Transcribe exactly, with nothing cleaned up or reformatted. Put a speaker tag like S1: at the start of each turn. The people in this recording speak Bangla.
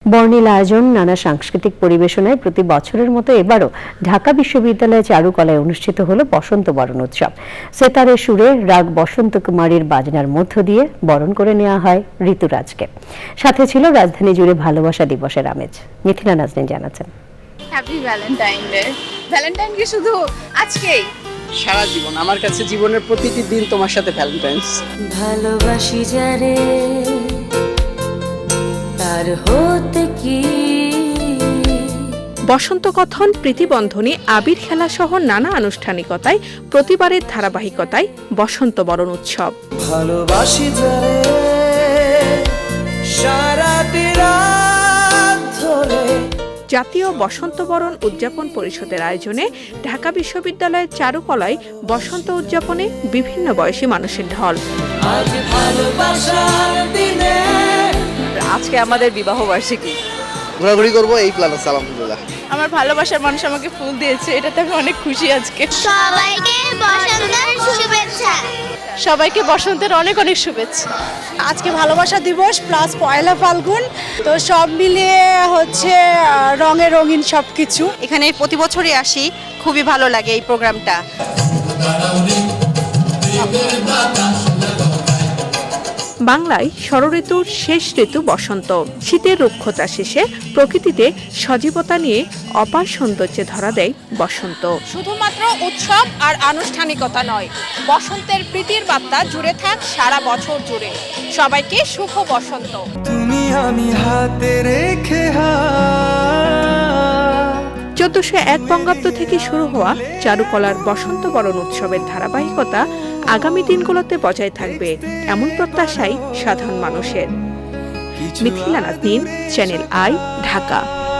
S1: বর্ণিল আয়োজন, নানা সাংস্কৃতিক পরিবেশনায় প্রতি বছরের মতো এবারও ঢাকা বিশ্ববিদ্যালয়ে চারুকলায় অনুষ্ঠিত হলো বসন্ত বরণ উৎসব। সেতারের সুরে রাগ বসন্ত কুমারীর বাজনার মধ্য দিয়ে বরণ করে নেওয়া হয় ঋতুরাজকে। সাথে ছিল রাজধানী জুড়ে ভালোবাসা দিবসের আমেজ। মিথিলা নাজনীন জানাচ্ছেন।
S2: Happy Valentine day. ভ্যালেন্টাইন কি শুধু আজকেই?
S3: সারা জীবন, আমার কাছে জীবনের প্রতিটি দিন তোমার সাথে ভ্যালেন্টাইন্স।
S4: ভালোবাসি যারে তার হতে কি।
S5: বসন্ত কথন, প্রীতিবন্ধনী, আবির খেলা সহ নানা আনুষ্ঠানিকতায় প্রতিবারের ধারাবাহিকতায় বসন্ত বরণ উৎসব।
S6: ভালোবাসি যারে সারাটি রাত ধরে।
S5: জাতীয় বসন্ত বরণ উদযাপন পরিষদের আয়োজনে ঢাকা বিশ্ববিদ্যালয়ের চারুকলায় বসন্ত উদযাপনে বিভিন্ন বয়সী মানুষের ঢল।
S6: আজ ভালোবাসার দিনে।
S2: আজকে আমাদের বিবাহ বার্ষিকী।
S7: ঘোরাঘুরি করবো এই প্ল্যান আছে আলহামদুলিল্লাহ।
S2: আমার ভালোবাসার মানুষ আমাকে ফুল দিয়েছে, এটাতে আমি অনেক খুশি আজকে।
S8: সবাইকে বসন্তের শুভেচ্ছা।
S2: সবাইকে বসন্তের অনেক অনেক শুভেচ্ছা।
S9: আজকে ভালোবাসা দিবস প্লাস পয়লা ফাল্গুন, তো সব মিলিয়ে হচ্ছে রঙে রঙিন সবকিছু।
S10: এখানে প্রতি বছরই আসি, খুবই ভালো লাগে এই প্রোগ্রামটা।
S5: বাংলায় ষড়ঋতুর শেষ ঋতু বসন্ত। শীতের রুক্ষতা শেষে প্রকৃতিতে সজীবতা নিয়ে অপার সৌন্দর্যে ধরা দেয় বসন্ত।
S9: শুধুমাত্র উৎসব আর আনুষ্ঠানিকতা নয়, বসন্তের প্রীতির বার্তা জুড়ে থাক সারা বছর জুড়ে। সবাইকে শুভ বসন্ত।
S6: তুমি আমি হাতে রেখে
S5: চোদ্দশো এক বঙ্গাব্দ থেকে শুরু হওয়া চারুকলার বসন্ত বরণ উৎসবের ধারাবাহিকতা আগামী দিনগুলোতে বজায় থাকবে, এমন প্রত্যাশাই সাধারণ মানুষের। Mithila Naznin, channel I, Dhaka.